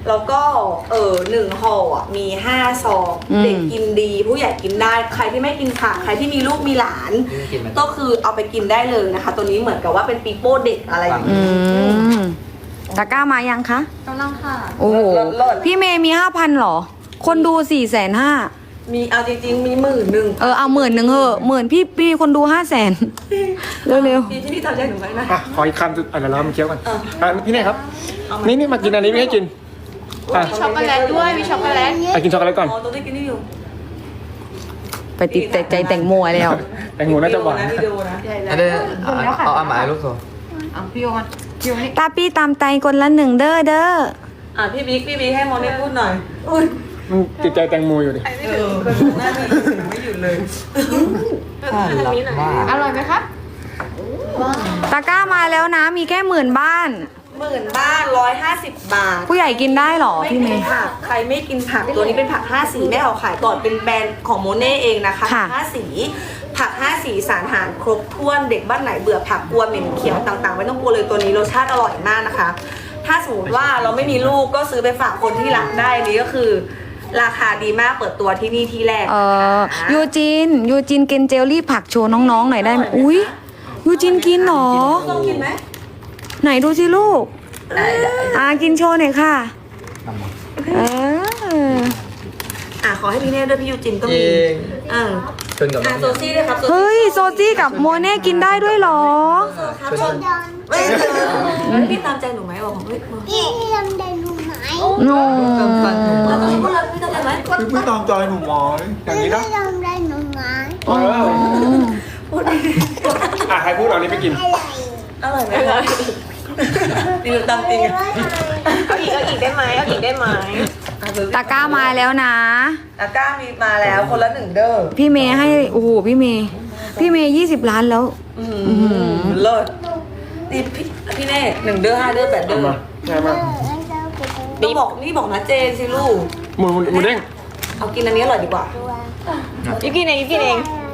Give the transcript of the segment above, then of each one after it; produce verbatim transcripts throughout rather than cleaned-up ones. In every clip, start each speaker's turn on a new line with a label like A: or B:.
A: แล้วก็เออหนึ่งห่ออ่ะมีห้าซองเด็กกินดีผู้ใหญ่กินได้ใครที่ไม่กินผักใครที่มีลูกมีหลานก็คือเอาไปกินได้เลยนะคะ ตัวนี้เหมือนกับว่าเป็นปีโป้เด็กอะไรอย่าง
B: อื
A: นี้
B: มตะกร้ามายังคะ
C: กำลังค่ะ
B: โอ้โห
A: เลิศ
B: พี่เมย์มีห้าพันหรอ คนดูสี่แสนห้า
A: มีเอาจริงๆมีหมื่นหนึ่ง
B: เออเอาหมื่นหนึ่งเหอะหมื่นพี่พี่คนดูห้าแสนเร็ว
A: พี่ที่นี่ทำใจหนูไว้นะ
D: อ่ะขออีกคำสุดอะไรแล้วมันเคี้ยวกัน
A: เออ
D: อ่ะพี่เน่ครับนี่นี่มากินอันนี้ไม่ให้กินอ่ะ
C: มีช็อกโกแลตด้วยมีช็อกโกแลต
D: ไปกินช็อกโกแลตก่อน
A: อ๋อตัวที่กินนี่อยู่
B: ๆ ไปติดแต่ใจแต่งโมยแล้ว
D: แตงโมน่าจะหวาน
A: วิดีโอนะ
E: อันนี้เอาเอาเอาหมายลูกโซ่
C: เอาพี่โยมันพี่โยนี่
B: ตาพี่ตามใจคนละหนึ่งเด้อเด้อ
A: อ่ะพี่บิ๊กพี่บิ๊กให้โมนี่พูดหน่อยอุ้ย
D: มันติดใจแตงโมอยู่ดิ
A: เออหน้าพี่ไม่หยุดเลย
E: น่ารักมาก
C: อร่อยไหมคะ
B: ตะกร้ามาแล้วนะมีแค่หมื่นบ้าน
A: หมื่นบ้านร้อยห้าสิบบาท
B: ผู้ใหญ่กินได้หรอ
A: ไม่
B: พี่เม
A: กิน
B: ย์
A: ผักใครไม่กินผักตัวนี้เป็นผักห้าสีแม่เอาขายก่อนเป็นแบรนด์ของโมเน่เองนะคะ
B: ค่ะ
A: ผักห้าสีผักห้าสีสารอาหารครบถ้วนเด็กบ้านไหนเบื่อผักกลัวเหม็นเขียวต่างๆไม่ต้องกลัวเลยตัวนี้รสชาติอร่อยมากนะคะ ถ้าสมมติว่าเราไม่มีลูกก็ซื้อไปฝากคนที่รักได้อันนี้ก็คือ ราคาดีมากเปิดตัวที่นี่ที่แรก
B: เออยูจินยูจินกินเจลลี่ผักโชว์น้องๆหน่อยได้ไหมอุ้ยยูจินกินหรอ
A: ต้องกินไหม
B: ไหนดูสิลูก
A: ได้ได้
B: อ่ากินโชว์หน่อยค่ะเออ
A: อ่ะขอให้พี่เน่ด้วยพี่ยูจินก็
E: เอ
A: มี
E: ง
A: อ่า
E: ชนกับน้
A: อ่ะ
E: อง
A: โซซี่ด้วยครับโซซี่
B: เฮ้ยโซจี้กับโมเน่กินได้ด้วยเหรอ
A: ครับชนไม่เออพี่ตามใจหนูไหมบอกผมเฮ้ย
F: พี่ลำไดหนูไหม
B: โน
A: เราต้องพูดอะไรพี่ตามใจไหม
D: คือไม่ตามใจหนูหมอยอย่างนี้
F: พี่
D: นะ
F: ลำไดหนูไหม
D: เออ
A: พูดดิ
D: อ่ะใครพูดเอานี้ไปกิน
F: อะไร
A: อร่อยไหมคะดีตามจริง
C: เอาอีกเอาอีกได้ไหมเอาอีกได้ไหม
B: ตะกร้ามาแล้วนะ
A: ตะกร้ามีมาแล้วคนละหนึ่งเด้อ
B: พี่เมย์ให้โอ้โหพี่เมย์พี่เมย์ยี่สิบล้านแล้ว
A: อืมเลิศนี่พี่พี่เน่หนึ่งเด้อห้าเด้อแปดเด้อ
D: มาใช่ไหม
A: นี่บอกนี่บอกนะเจนสิลูก
D: หมูหมูเด้ง
A: เอากินอันนี้อร่อยดีกว่า
C: ยูกินเองยูกินเอง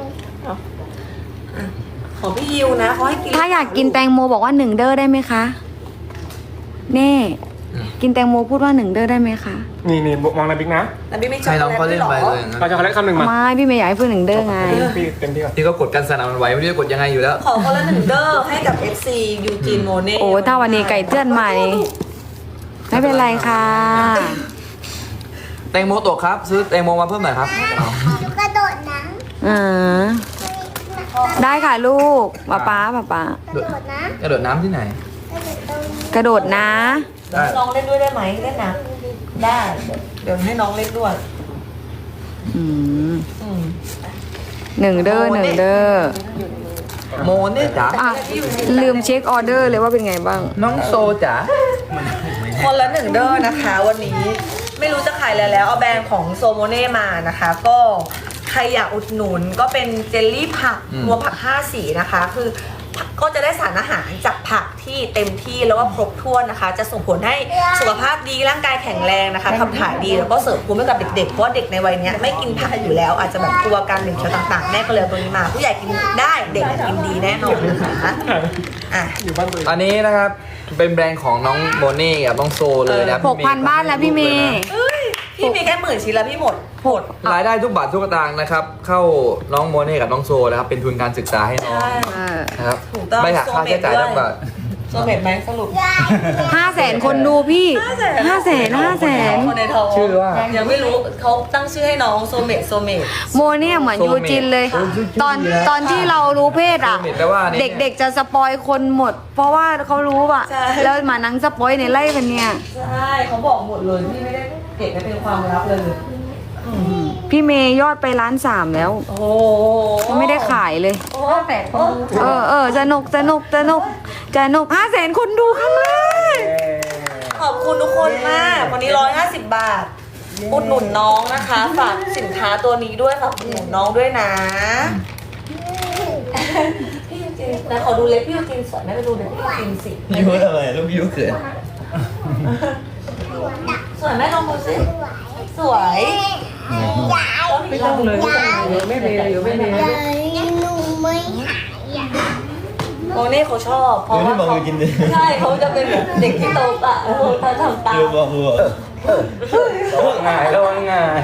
A: ของพี่ยิวนะเขาให้กิน
B: ถ้าอยากกินแตงโมบอกว่าหนึ่งเด้อได้ไหมคะเน่กินแตงโมพูดว่าหนึ่งเด้อได้ไหมคะ
D: นี่นี่มองในบิ๊กนะ
A: แต่พี่ไม่ช
E: ใคร
A: อบ
E: น้องเขาเล่นไปเลยนะ
D: เราจะขอเล็กคำหนึ่งมา
B: ไม่พี่เมย์อยากให้พูดหนึ่งเด้อไง
D: พี่เต็มที่ก่อน
E: ที่เขากดกันสนั่นมันไหวไม่รู้จะกดยังไงอยู่แล้ว
A: ขอคนละหนึ่งเด้อให้กับ เอฟ ซี ยูจีนโมเน่
B: โอ้ถ้าวันนี้ไก่เตือนใหม่ไม่เป็นไรค่ะ
E: แตงโมตกครับ ซื้อแตงโมมาเพิ่มหน่อยครับ
F: หนูกระโดดน้
B: อ่าได้ค่ะลูกป๊าป๊าป๊าป๊า
F: ำกระโดดนะ
E: กระโดดน้ำที่ไหน
F: กระโดดตรง
B: กระโดดนะ
E: ได้
A: น้องเล่นด้วยได้ไหมเล่นนะได้เดี๋ยวให้น้องเล่นด้วย
B: อืม
A: อืม
B: หนึ่งเด้อหนึ่งเด้อ
E: โมเนี่ยจ๋า
B: อ่ะลืมเช็คออเดอร์เลยว่าเป็นไงบ้าง
E: น้องโซจ๋า
A: คนละหนึ่งเด้อนะคะ วันนี้ไม่รู้จะขายอะไรแล้วเอาแบรนด์ของโซโมเน่มานะคะ ก็ใครอยากอุดหนุนก็เป็นเจลลี่ผักรวมผักห้าสีนะคะ คือก็จะได้สารอาหารจากผักที่เต็มที่แล้วก็ครบถ้วนนะคะ จะส่งผลให้สุขภาพดีร่างกายแข็งแรงนะคะขับถ่ายดีแล้วก็เสริมภูมิให้กับเด็กๆเพราะว่าเด็กในวัยเนี้ยไม่กินผักอยู่แล้ว อาจจะแบบกลัวการเหม็นเขียวต่างๆแม่ก็เลยเอาตัวนี้มา ผู้ใหญ่กินได้เด็กกินดีแน่นอนนะคะอ่ะ
D: อยู่บ้านตัวเอง
E: อันนี้นะครับ เป็นแบรนด์ของน้องโมเน่กับน้องโซเลยนะ
B: หกพันบ้านแล้วพี่เมย์
A: เอ้ยพี่มีแค่หมื่นชิ้นแล้วพี่หมดหมด
E: รายได้ทุกบาททุกสตางค์นะครับ เข้าน้องโมเน่กับน้องโซนะครับ เป็นทุนการศึกษาให้น้อง
A: ใช่
B: เออ
E: นะครับ
A: ถูกต้อง
E: ไม่หักค่าใช้จ่ายทุกบาท
A: โซเมตไหมสรุป
B: ห้าแสนคนดูพี่ห้าแสนห้าแสน
A: คนในท้อง
E: ชื่อว่า
A: ยังไม่รู้เขาตั้งชื่อให้น้องโซเมตโซเมต
B: โมเนี่ยเหมือนยูจินเลย ตอนตอนที่เรารู้เพศอ่ะ
E: โซเมตแปลว่านี่
B: เด็กๆจะสปอยคนหมด เพราะว่าเขารู้อ่ะ แล้วมานั่งสปอยในไล่กันเนี่ย
A: ใช่เขาบอกหมดเลยพี่ไม่ได้เก็บไว้เป็นความลับเลย
B: พี่เมย์ยอดไปล้านสามแล้ว
A: โอ้โห
B: ยังไม่ได้ขายเลย
A: โอ้แปดคนดู
B: เออเออสนุกสนุกสนุกสนุกห้าแสนคนดูครั้งแรก
A: ขอบคุณทุกคนมาก วันนี้ร้อยห้าสิบบาท อุดหนุนน้องนะคะ ฝากสินค้าตัวนี้ด้วยฝากอุดหนุนน้องด้วยนะ พี่ยูจินนะขอดูเล็บพี่ยูจินสวยไหมไปดูเล็บพี่ยูจินสิ
E: ยูอะไรลูกยูเขิน
A: สวยไหมลองดูสิสวยไม่ต้องเลยไม่มีเลยไม่มี
F: ยายหนูไม่หายอ่ะ
A: โมเน่เขาชอบเพราะว่าเขาใช่เขาจะเป็นแบบเด็กที่โตอ่ะเขาทำตาม
E: ระวังง่ายระวังง่าย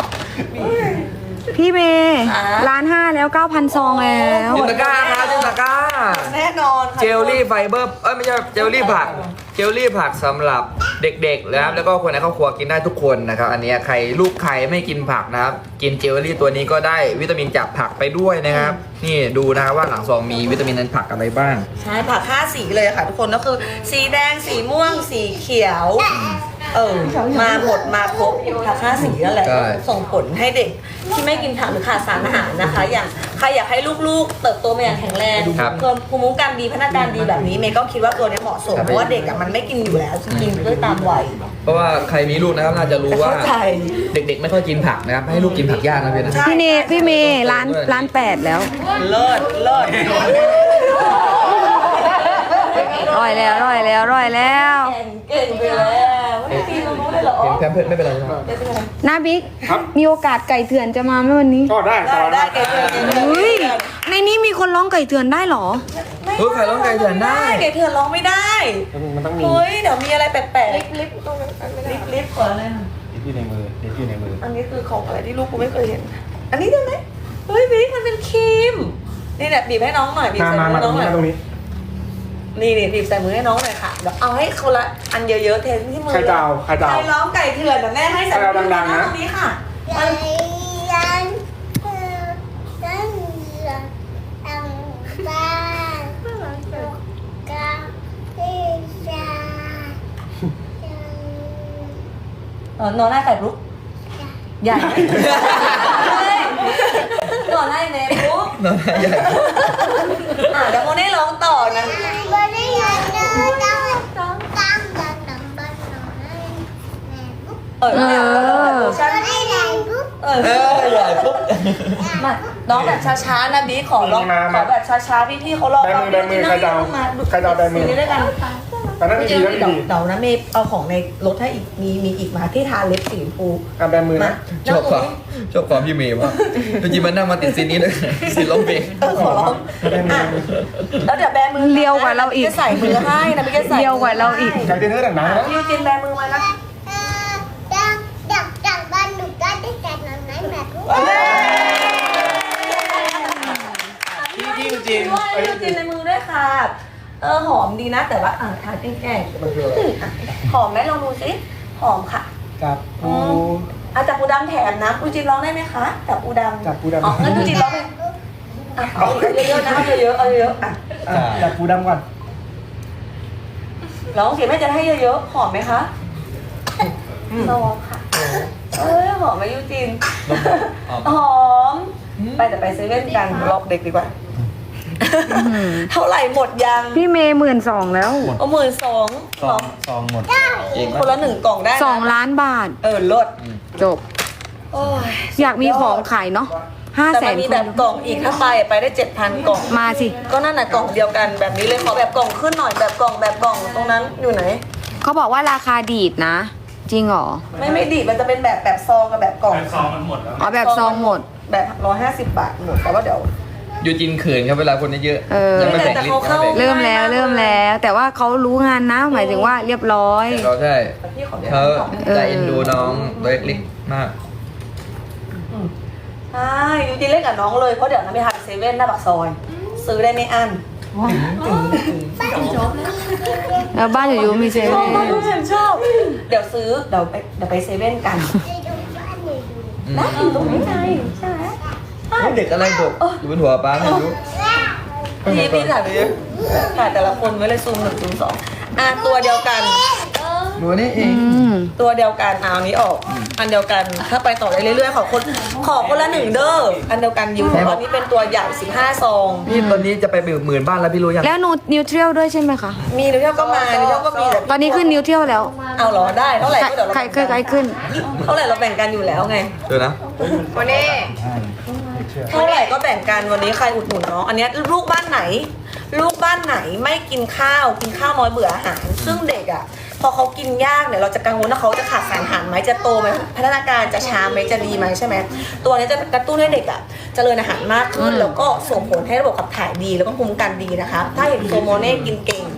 B: พี่เมย์
A: อ่ะ
B: ล้านห้าแล้วเก้าพันซองแล้ว
E: จินตะกร้าครับจินตะกร้า
A: แน่นอนค่ะ
E: เจลลี่ไฟเบอร์เอ้ยไม่ใช่เจลลี่ผักเจลลี่ผักสำหรับเด็กๆนะครับแล้วก็คนในครอบครัวกินได้ทุกคนนะครับอันเนี้ยใครลูกใครไม่กินผักนะครับกินเจลลี่ตัวนี้ก็ได้วิตามินจากผักไปด้วยนะครับนี่ดูนะครับว่าหลังซองมีวิตามินในผักอะไรบ้าง
A: ใช่ผักห้าสีเลยค่ะทุกคนก็คือ สีแดงสีม่วงสีเขียว เออมาหมดมาครบผักห้าสีนั่นแหละ
E: ใช่
A: ส่งผลให้เด็กที่ไม่กินผักหรือขาดสารอาหารนะคะ อย่างใครอยากให้ลูกๆ เติบโตมาอย่างแข็งแรง
E: ครับ
A: เพิ่มภูมิคุ้มกันดีพัฒนาการดีแบบนี้เมย์ก็คิดว่าตัวนี้เหมาะสม
E: ครับ
A: เพราะว่าเด็กอะมันไม่กินอยู่แล้วจะกินด้วยตามวัย
E: เพราะว่าใครมีลูกนะครับน่าจะรู้ว่า
A: เข้าใจ
E: เด็กๆไม่ค่อยกินผักนะครับให้ลูกกินผักยากนะพี่นะ
B: พี่เนพี่เมย์ล้านล้านแปดแล้ว
A: เลิศเลิศ
B: ร่อยแล้วร่อยแล้วร่อยแล้ว
A: เก่งเก่งไปแล้วไม่ได้ตีตรงนู้นเลยเหรอ
E: เห็นแพมเพิร์ดไม่เป็นไรใช่ไหม
B: นาบิ๊กมีโอกาสไก่เถื่อนจะมาไหมวันนี้
D: ก็ได้
A: ได้ได้เก่งเก่งเก่งเก่ง
B: เฮ้ยในนี้มีคนร้องไก่เถื่อนได้เหรอ
E: เฮ้ยใครร้องไก่เถื่อนได้
A: เก่งเถื่อนร้องไม่ได้
D: มันต้องมี
A: เฮ้ยเดี๋ยวมีอะไรแปลกๆลิฟลิฟตรงนั้นลิฟลิฟก่อนเลย
D: เด็กอยู่ในมือเด็กอยู่ในมือ
A: อันนี้คือของอะไรที่ลูกกูไม่เคยเห็น อันนี้ได้ไหมเฮ้ยบิ๊กมันเป็นครีมนี่แหละบีบให้น้องหน่อยบีบ
D: มา
A: ใส่
D: มา
A: มื
D: มา
A: อ
D: ตร
A: น้อง งห
D: นี้
A: น่อย
D: มาตรงนี้
A: นี่นี่บีบใส่มือให้น้องหน่อยค่ะเดี๋ยวเอาให้คนละอันเยอะๆเทที่มือ
D: ใครจะเอาใครจะเอา
A: ใครร้องไก่เถื่อนแต่แม่ให้ใส่
D: ใครเอาดังๆนะ
A: ตรงนี้ค่ะ
F: ใจยันเธอฉันอยากตั้งบ้านกับพี่ชาย
A: เออนอนหน้าไก่ลุกใหญ่ไหมนอนหน้าเนมลุก
E: น้องใหญ่
A: อ่ะเดี๋ยวโมเน่ร้องต่อนะ
F: ไม่ได้ยินเลยต้องต้องตั้งตั้งตั้งบ้านนอนให้แม่บุ๊ก
A: เออเนี่ยเวอร์ชัน
F: ไม่ได้แรงบุ๊ก
A: เออ
E: เออใหญ่ปุ๊บ
A: มาน้องแบบช้าๆนะบีขอร้อง
D: มา
A: ข
D: มา
A: อแบบช้าๆพี่ๆเขาร้อง
D: แบมือแบมือใครจะเอาใครจะเอาแบมือ
A: ซีรีส์ด้วยกัน
D: ตอนนั้น
A: เดี๋
D: ดี
A: ยว
D: แล้ว
A: เดี๋ยว
D: ดี
A: เดี๋ยวนะเมย์เอาของในรถให้อีกมีมีอีกมาที่ทาเล็บสีชมพู
D: อ่ะแบมือ
A: มา
D: นะ
E: ชอบความชอบความพี่เมย์มากจริงๆมันนั่งมาติดซีนนี้เลยซีนร้องเพลง
A: เออขอร้องอ่ะแล้วเดี๋ยวแบมือ
B: เลียวกว่าเราอีก
A: จะใส่มือให้นะพี่จะใส่
B: เลียวกว่าเราอีก
D: อยากเต้นเท่าดังๆนะ
A: พี่ยูจินแบมือมานะ
F: เออจากจากจากบ้านหนูก็ได้แต่นอนไหนแม่บุ๊ก
A: พี่พี่ยูจินพี่ยูจินในมือด้วยค่ะเออหอมดีนะแต่ว่าอ่ะทาแกล้งๆหอมไหมลองดูสิหอมค่ะ
D: จับปู
A: อาจับปูดำแถมนะปูจินร้องได้ไหมคะจับปูดำ
D: จับปูดำ
A: อ๋องั้นปูจินร้องเลยอ่ะเอาเยอะๆนะเอาเยอะๆเอาเยอะๆอ่ะ
D: อ่ะจับปูดำก่อน
A: ร้องเสียงแม่จะให้เยอะๆหอมไหมคะลองค่ะเอ้ยหอมไหมยูจินหอมไปแต่ไปเซเว่นกันรอบเด็กดีกว่าเท่าไหร่หมดยัง
B: พี่เมย์หมื่นสองแล้ว
A: เอาหมื่นสอง
D: ซองซองหมดเอง
A: คนละหนึ่งกล่องได้นะ
B: สองล้านบาท
A: เออลด
B: จบ
A: โอ้ย
B: อยากมีของขายเนาะห้า
A: แต่
B: แส
A: มัน
B: น
A: มี
B: ค
A: แบ
B: น
A: บกล่องอีกถ้าไปไปได้เจ็ดพันกล่อง
B: มาสิ
A: ก็นั่นน่ะกล่องเดียวกันแบบนี้เลยขอแบบกล่องขึ้นหน่อยแบบกล่องแบบกล่องตรงนั้นอยู่ไหน
B: เขาบอกว่าราคาดีดนะ จริงเหรอ
A: ไม่ไม่ดีมันจะเป็นแบบแบบซองกับแบบกล่อง
B: อ๋อแบบซองหมด
A: แบบร้อยห้าสิบบาทหมดแต่ว่าเดี๋ยว
E: ยูจินเขินครับเวลาคนเยอะ
B: เออ
E: ยังไม่แบ่งลิ้นยังไม่แบ่ง
B: เริ่มแล้วเริ่มแล้ว แต่ว่าเขารู้งานนะ หมายถึงว่าเรียบร้อย
E: เราใช่
A: พี่ขอเดี๋ยว
E: เขา
A: กล่อง
E: ใจเอ็นดูน้องตัวเล็กๆมาก
A: ใช่ยูจีเล่นกับน้องเลยเพราะเดี๋ยวน้ำไปทานเซเว่นหน้าปากซอย ซื้อได้ไม่อั้น
B: แล้วบ้านอยู่ยูมีเซ
A: ชอ
B: เว่
A: บ
B: น
A: มากฉันชอบ เดี๋ยวซื้อเดี๋ยวไปเดี๋ยวไปเซเว่นกัน
F: ไปดูบ้านหนูดู
A: นะอยู่ตรงนี้ไงใช่ไหม
E: เด็กอะไรบกอยู่บนหัวป้าไม่รู้
A: พี่พี่ถ่ายไปเยอะถ่ายแต่ละคนไว้เลยซูมหนึ่งซูมสองอ่ะตัวเดียวกัน
E: ดูนี่เอ
B: อื
E: ง
B: ม
A: ตัวเดียวกันเอาอันนี้ออก อันเดียวกันถ้าไปต่อได้เรื่อยๆขอคนขอคนละหนึ่งเด้ออันเดียวกันอยู่อันนี้เป็นตัวใหญ่สิบห้าซอง
E: พี่ตอนนี้จะไปหมื่นบ้านแล้วพี่รู้ยัง
B: แล้วนูนิวเทรียลด้วยใช่ไหมคะ
A: มีนิวเทียลก็มานิวเทียลก็มีแต่
B: ตอนนี้ขึ้นนิวเทรียลแล้ว
A: เอาเหรอได้เท่าไหร่
B: ใคร
A: ก็เดี๋ยวเรา
B: ใคร
A: แบ่ง
B: ใครใคร
A: กัน
B: ขึ้น
A: เท่าไหร่เราแบ่งกันอยู่แล้วไง
E: ดูนะ
C: โมเน่
A: เท่าไหร่ก็แบ่งกันวันนี้ใครอุดหนุนน้องอันเนี้ยลูกบ้านไหน ลูกบ้านไหนไม่กินข้าวกินข้าวน้อยเบื่ออาหาร ซึ่งเด็กอ่ะพอเขากินยากเนี่ยเราจะกังวลว่าเขาจะขาดสารอาหารไหมจะโตไหมพัฒนาการจะช้าไหมจะดีไหมใช่ไหมตัวเนี้ยจะกระตุ้นให้เด็กอ่ะเจริญอาหารมากขึ้น แล้วก็ส่งผลให้ระบบขับถ่ายดีแล้วก็ภูมิคุ้มกันดีนะคะถ้าเห็นโซโมเน่กินเก่ง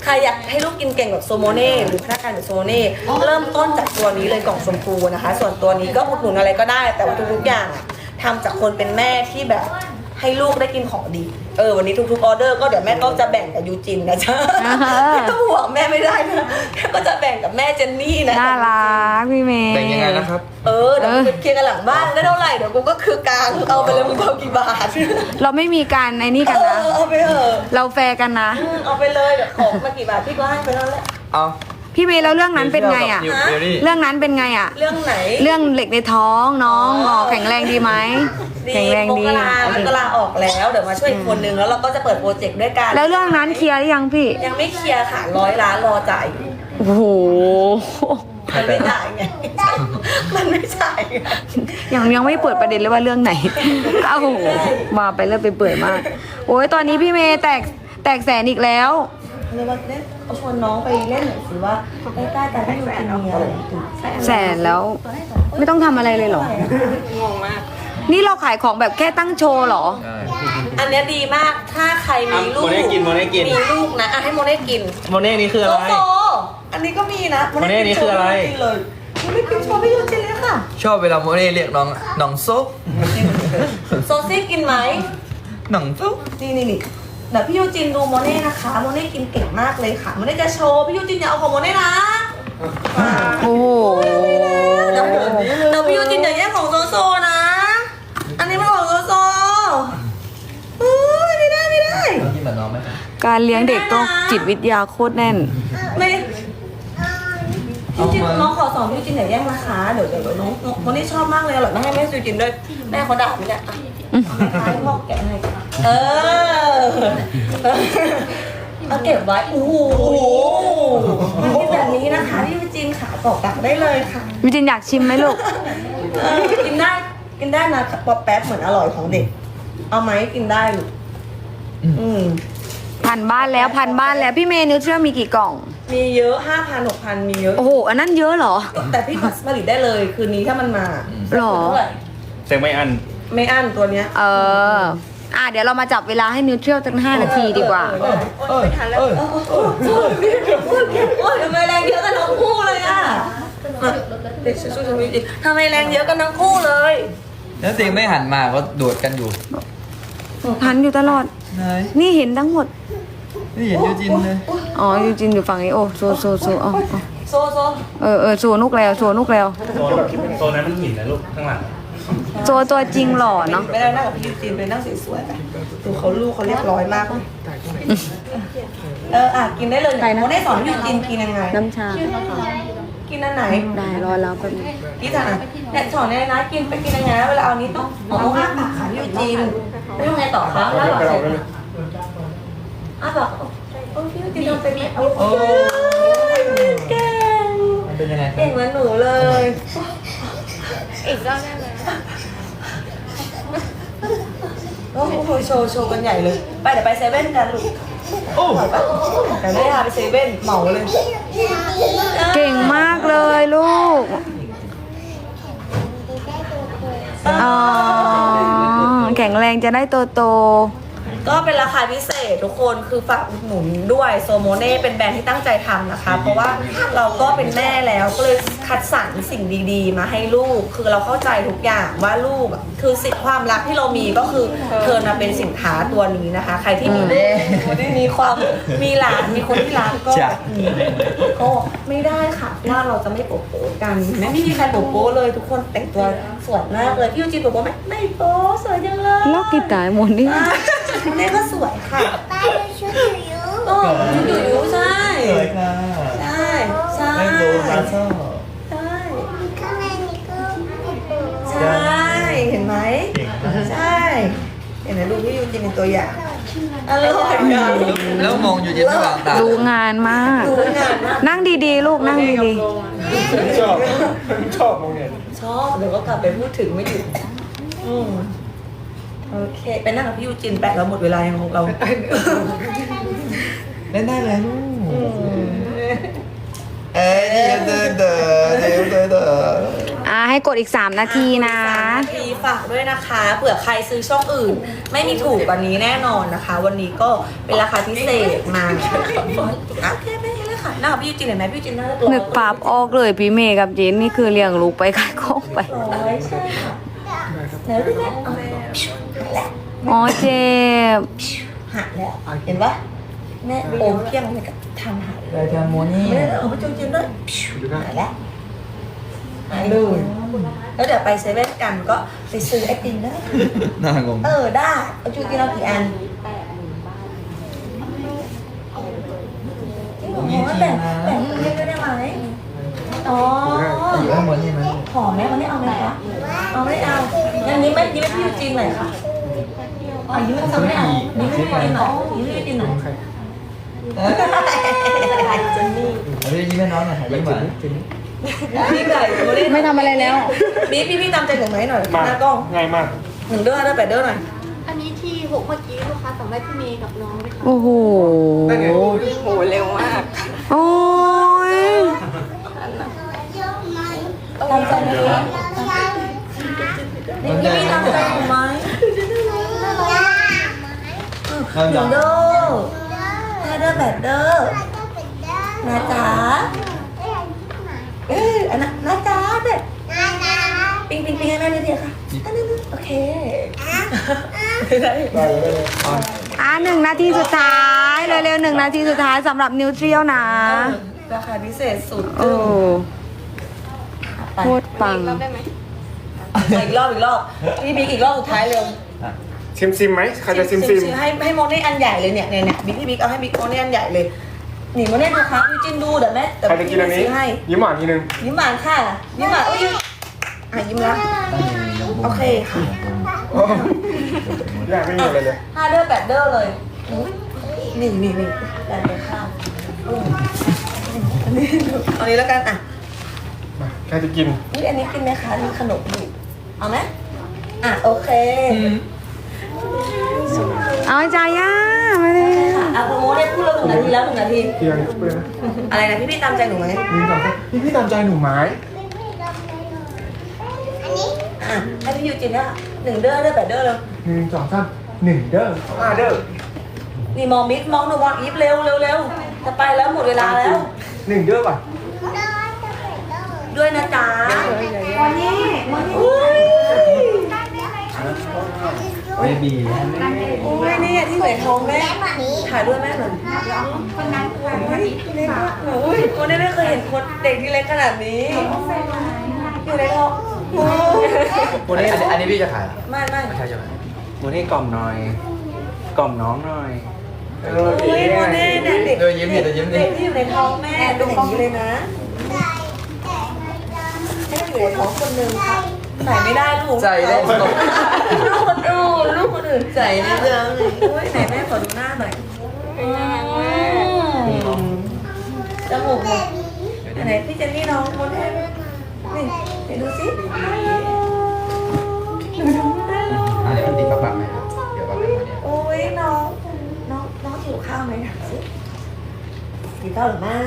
A: ใครอยากให้ลูกกินเก่งแบบโซโมเน่หรือพนักงานแบบโซโมเน่เริ่มต้นจากตัวนี้เลยกล่องชมพูนะคะ ส่วนตัวนี้ก็อุดหนุนอะไรก็ได้ แต่ว่าทุกๆอย่างอะทำจากคนเป็นแม่ที่แบบให้ลูกได้กินของดี เออวันนี้ทุกๆออเดอร์ก็เดี๋ยวแม่ก็จะแบ่งกับยูจินนะจ๊ะ
B: อ่าฮะ
A: ไม่ต้องห่วงแม่ไม่ได้นะแม่ก็จะแบ่งกับแม่เจนนี่นะ
B: น่ารักพี่เมย์
E: แบ่งยังไงนะครับ
A: เออเดี๋ยวกูไปเคลียร์กันหลังบ้านได้เท่าไหร่เดี๋ยวกูก็คือกลางเอาไปเลยมึงเอากี่บาท
B: เราไม่มีการในนี่กัน
A: เอ
B: นะ
A: อเอาไปเถอะ
B: เราแฟร์กันนะ
A: อืมเอาไปเลยเดี๋ยวของมากี่บาทพี่ก็ให้ไปแล้วแหละ
E: เอา
B: พี่เมย์แล้วเรื่องนั้นเป็นไงอ่ะ
E: นิวเจลลี่
B: เรื่องนั้นเป็นไงอ่ะ
A: เรื่องไหน
B: เรื่องเหล็กในท้องน้องอ๋อแข็งแรงดีไหม
A: ดี
B: แข็งแรงดี
A: มกรา
B: โอ
A: ม
B: เค
A: กราออกแล้วเดี๋ยวมาช่วยอีกคนนึงแล้วเราก็จะเปิดโปรเจกต์ด้วยกัน
B: แล้วเรื่องนั้นเคลียร์หรือยังพี่
A: ยังไม่เคลียร์ค่ะร้อยล้านรอจ่ายอยู่
B: โอ้โห
A: มันไม่จ่ายไง มันไม่จ่ายไง
B: ยังยังไม่เปิดประเด็นเลยว่าเรื่องไหน เอ้ามาไปเรื่อยไปเปื่อยมาก โอ้ยตอนนี้พี่เมย์แตกแตกแสนอีกแล้ว
A: เลยว่าเล่นเอาชวนน้องไปเล่นหน่อยสิว่าใกล้ๆกันที่อยู่กินมีอะไรถึง
B: แสนแล้ว ไม่ต้องทำอะไรเลยเหรอ นี่เราขายของแบบแค่ตั้งโชว์เหรอ
E: ใช่
A: อันเนี้ยดีมากถ้าใครมีลูก
D: โมเน่กินโมเน่กิน
A: มีลูกนะอ่ะให้โมเน่กิน
D: โมเน่นี่คือ
A: โซ
D: อะไร
A: โซอันนี้ก็มีนะ
D: โมเน่นี่คืออะไร
A: กินเลยโมเน่กินโชว์ไม่ยูจินเลยค่ะ
E: ชอบเวลาโมเน่เรียกน้องน้องซุป
A: โซซี่กินไหม
E: น้องซุป
A: นี่นี่นี่เดี๋ยวพี่ยูจินดูโมเน่นะคะโมเน่กินเก่งมากเลยค่ะโมเน่จะโชว์พี่ยูจินอย่าเอาของโมเน่นะ
B: โอ้โห
A: เดี๋ยวเดี๋ยวพี่ยูจินอย่าแย่งของโซโซนะ อันนี้มันของโซโซอุ้ยไม่ได้ไม่ได้
E: กินเหมือนน้องไหม
B: การเลี้ยงเด็กต้องจิตวิทยาโคตรแน่น
A: ไม่พี่จินน้องขอสอนพี่จินอย่าแย่งนะคะเดี๋ยวเดี๋ยวน้องน้องโมเน่ชอบมากเลยอร่อยมากให้แม่ยูจินด้วยแม่เขาด่าไม่ได้อ่ะให้พ่อแกะให้เออเอาเก็บไว้โอ้โหมันเป็นแบบนี้นะคะพี่ยูจินขาตอกตักได้เลยค่ะ
B: วิจินอยากชิมไหมลูก
A: เออกินได้กินได้นะป๊อปแป๊บเหมือนอร่อยของเด็ก เอาไหมกินได้ลูกอืม
B: พันบ้านแล้วพันบ้านแล้วพี่เมย์นิวเชื่อมีกี่กล่อง
A: มีเยอะห้าพันหกพันมีเยอะ
B: โอ้โห อันนั้นเยอะเหรอ
A: แต่พี่ผลิตได้เลยคืนนี้ถ้ามันมา
B: หรอ
A: เท่าไหร่
D: เสียงไม่อัน
A: ไม่อั้นตัวเนี้ย
B: เออ อ่ะเดี๋ยวเรามาจับเวลาให้นิวเทรียลตั้งห้านาทีดีกว่า
E: เอ้ยเอ้ยเอ้ย
A: โอ้ยทำไมแรงเยอะกันทั้งคู่เลยอ่ะเด็กสู้ๆทำไมทำไมแรงเยอะกันทั้งคู่เลย
E: แล้วตีไม่หันมาก็โดดกันอยู่
B: พันอยู่ตลอด
E: ไหน
B: นี่เห็นทั้งหมด
E: ไม่เห็นยูจินเลย
B: อ๋อยูจินอยู่ฝั่งนี้ โอ้โซโซโซอ๋ออ๋อ
A: โซโซ
B: เออเออโซนุกแล้วโซนุกแล้ว
D: โซนโซนนั้นมันหินนะลูกข้างหลัง
B: โซตัวจริงหล่อเนาะ
A: ไปนั่งกับพี่ยูจีนไปนั่งสวยๆไปดูเขาลูกเขาเรียบร้อยมากเลยเอออ่ะกินได้เลยโมได้สอนพี่ยูจีนกินยังไง
B: น้ำชา
A: กินอันไหน
B: ได้รอแล้วแป๊บนึง
A: พี่จ๋าเนี่ยสอนเนี่ยนะกินไปกินยังไงนะเวลาเอานี้ต้องอ๋ออ้าปากค่ะพี่ยูจีนแล้วยังไงต่อคะแล้วหลังเสร็จอ้าปากโอ้พี่ยูจีนทำเป็นไหมโอ้ยเก่ง
E: มันเป็นยังไง
A: เก่งเหมือนหนูเลย
C: อีกรอบได้ไหม
A: โอ้โหโชว์โชว์กันใหญ่เลย ไปเดี๋ยวไปเซเว่นกันลูก
E: โอ้
A: แต่ไม่พาไปเซเว่นเหมาเลย
B: เก่งมากเลยลูก อ๋อ แข็งแรงจะได้โตโต
A: ก็เป็นราคาพิเศษทุกคนคือฝากอุดหนุนด้วยโซโมเน่เป็นแบรนด์ที่ตั้งใจทำนะคะ เพราะว่าเราก็เป็นแม่แล้วก็เลยคัดสรรสิ่งดีๆ มาให้ลูก คือเราเข้าใจทุกอย่างว่าลูกอะคือสิ่งความรักที่เรามีก็คือเทิร์นมาเป็นสินค้าตัวนี้นะคะ ใครที่มีลูกมีความมีหลานมีคนที่รักก็อืมก็ไม่ได้ค่ะว่าเราจะไม่โป๊ะโป๊ะกันไม่มีใครโป๊ะโป๊ะเลยทุกคนแต่งตัวสวยมากเลยพี่ยูจีโป๊ะโป๊ะไหมไม่โป๊ะสวยจังเลย
B: ๆล็อกกีตาร์หมดนี่
A: แม่ก็สวยค่ะ
F: ป้าไปช่วยอยู่
A: โอ้ชุดอยู่อยู่ใช่
E: สวยค่ะ
A: ใช่ใช่
E: แม่โดมาซ่อ
A: ใช่
F: ข้างในนี่ก็
A: ใช่เห็นไหมใช่เห็นไหมดูพี่ยูจินเป็นตัวอย่างอร่อยอ่ะ
E: แล้วมองยูจินระหว่างตา
B: ดูงานมาก
A: ดูงานมาก
B: นั่งดีๆ ลูกนั่งดี
D: ชอบ ชอบมองเนี่ย
A: ชอบเดี๋ยวก็กลับไปพูดถึงไม่หยุดอืมโอเคไปนั่งกับพี่ยูจินแปะเราหมดเวลายังของเรา
E: เล่นได้เลยลู
A: อื
E: ก
A: ม
E: เอ้ยเดินเดินเดินเดินเดิน
B: ๆ อ่าให้กดอีก สาม นาทีนะ
A: สามนาทีฝากด้วยนะคะเผื่อใครซื้อช่องอื่น ไม่มีถูกกว่านี้แน่นอนนะคะ วันนี้ก็เป็นราคาพิเศษมาโอเคไม่เป็นไรค่ะหน้าพี่ยูจินเห็นไหมพี่ยูจินน่าจะตัว
B: นึกภาพออกเลยพี่เมย์กับเจนนี่คือเลี้ยงลูกไปขายของไป
A: ร้อยใช่ค่ะเดี๋ยวพี่แม่เอาไป
B: อ๋อเจ็บ
A: หักแล้วเห็นปะแม่โอมเพียงเลยกับทำหาย
E: เลยทำโมนี่
A: ไม่ได้เอาไปจูจินด้วยหายแล้วหายเลยแล้วเดี๋ยวไปเซเว่นกันก็ไปซื้อไอติมได้
E: น่างง
A: เออได้เอาจูจินเอากี่อันแต่แต่คุณเล่นได้ไหมอ๋อ
E: อยู่ข้างบนใช่ไหม
A: หอมไหมวันนี้เอาไหมคะเอาไม่เอางั้นนี้ไม่ยิ้มให้พี่ยูจินหน่อยค่ะอ๋อยิ้มให้เขาไม่เอายิ้มให้พี่ยูจินหน่อยยิ้มให้พี่ยูจินหน่อยเจนนี่
E: เฮ้ยยิ้มให้น้องหน่อยยิ้มหวาน
A: พี่ไก่
B: ไม่ทำอะไรแล้ว
A: พี่พี่พี่ตามใจหนูไหมหน่อย
D: มา
A: หน้ากล้อง
D: ง่ายมาก
A: หนึ่งเด้อเด้อแปดเด้อหน่อย
C: อันนี้ที่หกเมื่อกี้ลูกค้าสั่งได้พี่เมย์กับน้องไหมคะ
B: โอ้โห
C: โหเร็วมาก
B: โอ้ย
A: ตามใจไหมคะนี่พี่พี่ตามใจหนูไหมหนึ่งเด้อห้าเด้อแปดเด้อนะจ๊ะเอออันนั้นนะจ๊ะเด็ดปิงปิงปิงให้แม่นิดเดียวค่ะอันนั้นโอเคได้ได้
B: อ่ะหนึ่งนาทีสุดท้ายเร็วๆหนึ่งนาทีสุดท้ายสำหรับนิวเทรียลนะ
A: ราคาพิเศษสุด
B: โอ้โคตรปัง
C: รับได้ไหม
A: อีกรอบอีกรอบพี่บิ๊กอีกรอบสุดท้ายเร็ว
D: ซิมซิมไหมใครจะซิมซิม
A: ให้ให้โมเน่อันใหญ่เลยเนี่ยเนี่ยเนี่ยบิ๊กพี่บิ๊กเอาให้บิ๊กโมเน่อันใหญ่เลยหนีโมเน่ดูครับยูจินดูเดี๋ยวแม่แต่
D: ใครจะกินอันนี้
A: ซื้อให้
D: ยิ้มหวานทีนึง
A: ยิ้มหวานค่ะยิ้มหวานอุ้ยอ่ะยิ้มแล้วโอเคค่ะ
D: โอ้ยากไม่มีอะไรเลย
A: ห้าเด้อแปดเด้อเลยนี่นี่นี่แปดเด้อข้าวอืมอันนี้เอานี้แล้วกันอ่ะ
D: มาใครจะกิน
A: นี่อันนี้กินไหมคะมีขนมอยู่เอาไหมอ่ะโอเค
B: เอาใจย่ามาเลย
A: ค่ะอ่ะโปรโมทได้พูดแล้วหนึ่งนาทีแล้วหนึ่งนาที
D: เพียงเพื่อนนะ
A: อะไรนะพี่พี่ตามใจหนูไหม
D: หนึ่งสองสามพี่พี่ตามใจหนูไหม
A: อ่ะให้พี่ยูจินเนี่ยหนึ่งเด้อเด้อแปดเด้อเลย
D: หนึ่งสองสามหนึ่งเด้อห้าเด้อ
A: นี่มองมิกมองหนูมองอีฟเร็วเร็วเร็วจะไปแล้วหมดเวลาแล้ว
D: หนึ่งเด้อป่ะ
A: ด้วยนะจ๊ะวันนี้วันนี้อุ้ย
E: เบบี
A: อุ้ยนี่ที่เหมือนท้องแม่ถ่ายด้วยแม่หน่อยคนนั้นเล็กมากอุ้ยคนนี้ไม่เคยเห็นคนเด็กที่เล็กขนาดนี้อยู่ในท้อง
E: โมนี่อันนี้อันนี้พี่จะขายเหรอ
A: ไม่ไม่
E: ไม่ใช่ใช่ไหม
G: โมนี่กล่อมหน่อย กล่อมน้องหน่อย
D: เออ
A: อุ้ยโมเน่เนี่ยเด็ก
E: เดี๋ยวยิ้มดิเดี๋ยวยิ้มดิ
A: เด็กที่อยู่ในท้องแม่เป็นอย่างนี้เลยนะให้อยู่ในท้องคนหนึ่งค่ะใส่ไม่ได้ลูก
E: ใจได้
A: ลูกคนอื่นลูกคนอื่นใส่ในเรื่องเลยอุ้ยไหนแม่ขอดูหน้าหน่อยจมูกหมดไหนพี่เจนนี่น้องโมเน่นี่ไหนดูสิ
E: อันนี้มันติดกับปากไหมครับเดี๋ยวปากเป็นโมนี่
A: โอ้ยน้องน้องน้องหิวข้าวไหมถามสิกินข้าวหรือไม่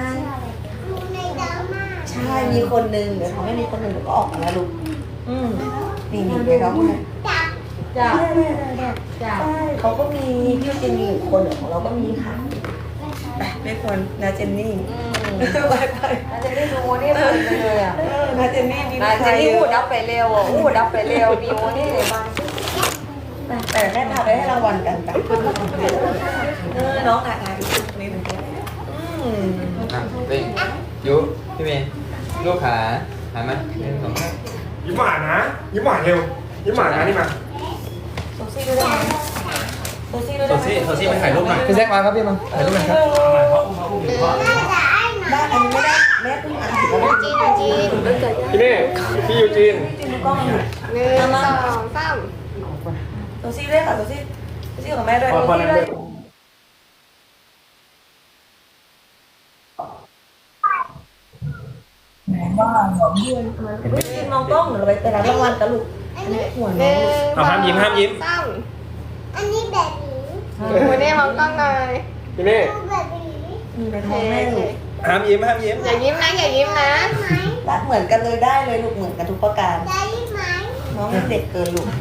A: ใช่มีคนนึงเดี๋ยวทำให้มีคนนึงเดี๋ยวก็ออกมาแล้วลูกอืมนี่นี่เดี๋ยวน้องคนนั้นจ้าจ้าเขาก็มีพี่เจนนี่อีกคนเดี๋ยวของเราก็มีค่ะไปไม่ควรนาเจนนี่ไปไป
B: นาเจนนี่ดูโมนี่เปิดไปเลยอ่ะ
A: เออนาเจนนี่ดี
B: นาเจนนี่หูดับไปเร็วอ่ะหูดับไปเร็วมีโมนี่เลยบ้าง
A: แต่แม่พาไปให้รางวัลกันจ้ะเออน้องถ่ายถ่ายนี่หนึ่งอืม
E: อ่ะเฮ้ยยุพี่เมย์ลูกขาหายไหมหนึ่งสองสาม
D: ยิ้มหวานนะ ยิ้มหวานเร็ว ยิ้มหวานนะนี่มา
A: โซซี่ด้วยได้ไหมโซซี่ด้วย
G: โซ
A: ได้ไหม
G: ซี่โซซี่มาถ่ายรูปหน่อย
E: พี่แซคมาครับพี่มาถ่ายรูปหน่อยครับ
A: ได้อันนี้ไม่ได้แม่เพิ่งอ่านแล้ว
C: จีนจีนเกิด
D: พี่เน่พี่ยูจีน
A: จริงๆกล้องมัน
C: หนึ่งสองสาม
A: โซซี่ด้วยค่ะโซซี่โซซี่กับแม่ด้วย
D: พอพอนั่นเลย
A: มองกล้องหรือไปไปรับรางวัลกันลูกอันนี้หัว
C: ห
A: น้
C: นึ่
A: อง
C: ง
D: เอาห้ามยิ้มห้ามยิ้ม
C: สาม
F: อันนี้แบบนี้
C: โมเน่มองกล้องหน่อย
D: พี่เน่
F: แบบนี้
A: มีในท้องแม่ลูก
D: ห้ามยิ้มห้ามยิ้ม
C: อย่ายิ้มนะอย่ายิ้มนะ
F: ไหม
A: รักเหมือนกันเลยได้เลยลูกเหมือนกันทุกประการ
F: ได้ไหม
A: น้องยังเด็กเกินลูก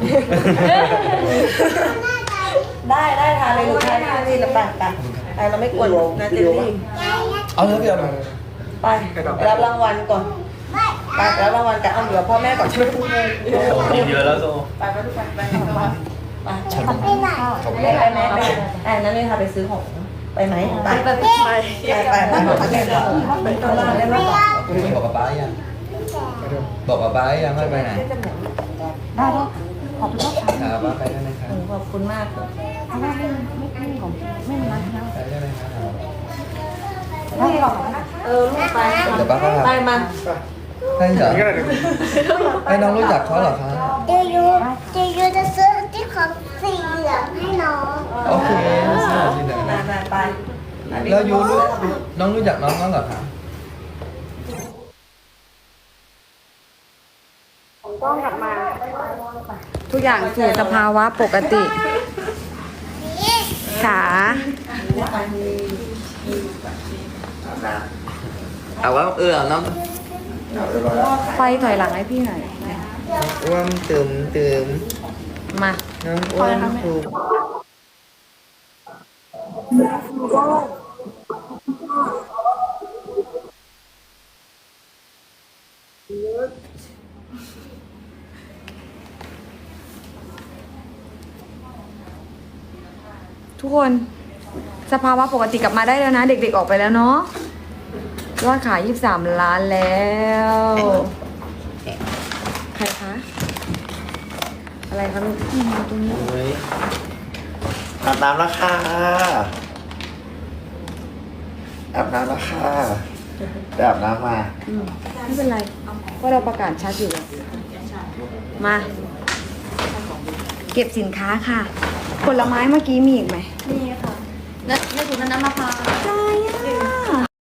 A: ได้ได้ทานเลยลูกทานที่นี่แล้วไปไปไปเราไม่กวนนะเจลลี่
E: เอาเถอะพี่เอา
A: ไปรับรางวัลก่อนไปรับรางวัลกันเอาเดี๋ยวพ่อแม่ก่อนช่วยพูดเลย
G: กินเยอะแล้วโซ
A: ไปไปทุกคนไปไปไป
F: ไปไหน
A: ไปไปไหมไปไอ้นั่นนี่ค่ะไปซื้อของไปไหมไปไปไปไปไปไปไปไปตลาดได้ไหม
E: บอกกับป้ายังบอกกับป้ายังไม่ไปไหน
B: ได้ได้ขอบคุณครับ
E: หาป้าไปได้ไหมครับ
A: ขอบคุณมาก
B: เอาได้ไม่ไม่ไม่ของไม่เป็นไรนะ
E: ไปได้ไหมครับ
B: ได้หรอกนะ
A: เออลูกไป
E: เดี๋ยวป้าก็พา
A: ไปมา
E: ให้เหรอให้น้องรู้จักเขาเหรอคะ
F: เจยูเจยูจะซื้อที่ของสีเหลืองให้น้อง
E: โอเคสวัสดีนะ
A: ไปไป
E: แล้วยูรู้น้องรู้จักน้องน้องเหรอคะ
B: ทุกอย่างสู่สภาวะปกติขา
E: เอาว่าเออเอาน้
B: ไฟถอยหลังให้พี่หน่อย
E: ำอ้วนตื่มตื่ม
B: มา
E: น้ำอ้วนถูก
B: ทุกคนสภาวะปกติกลับมาได้แล้วนะ เด็กๆออกไปแล้วเนาะยอดขายยี่สิบสามล้านแล้ว ใครคะ อะไรคะลูกที่มาตรงนี้
G: เฮ้ยอาบน้ำแล้วค่ะอาบน้ำแล้วค่ะไปอาบน้ำมา
B: อืมไม่เป็นไรเพราะเราประกาศชัดอยู่แล้วมา เก็บสินค้าค่ะ ผลไม้เมื่อกี้มีอีกไหม
C: นี่ค่ะและในถุงนั้นน้ำมะพร้าว
B: ใช่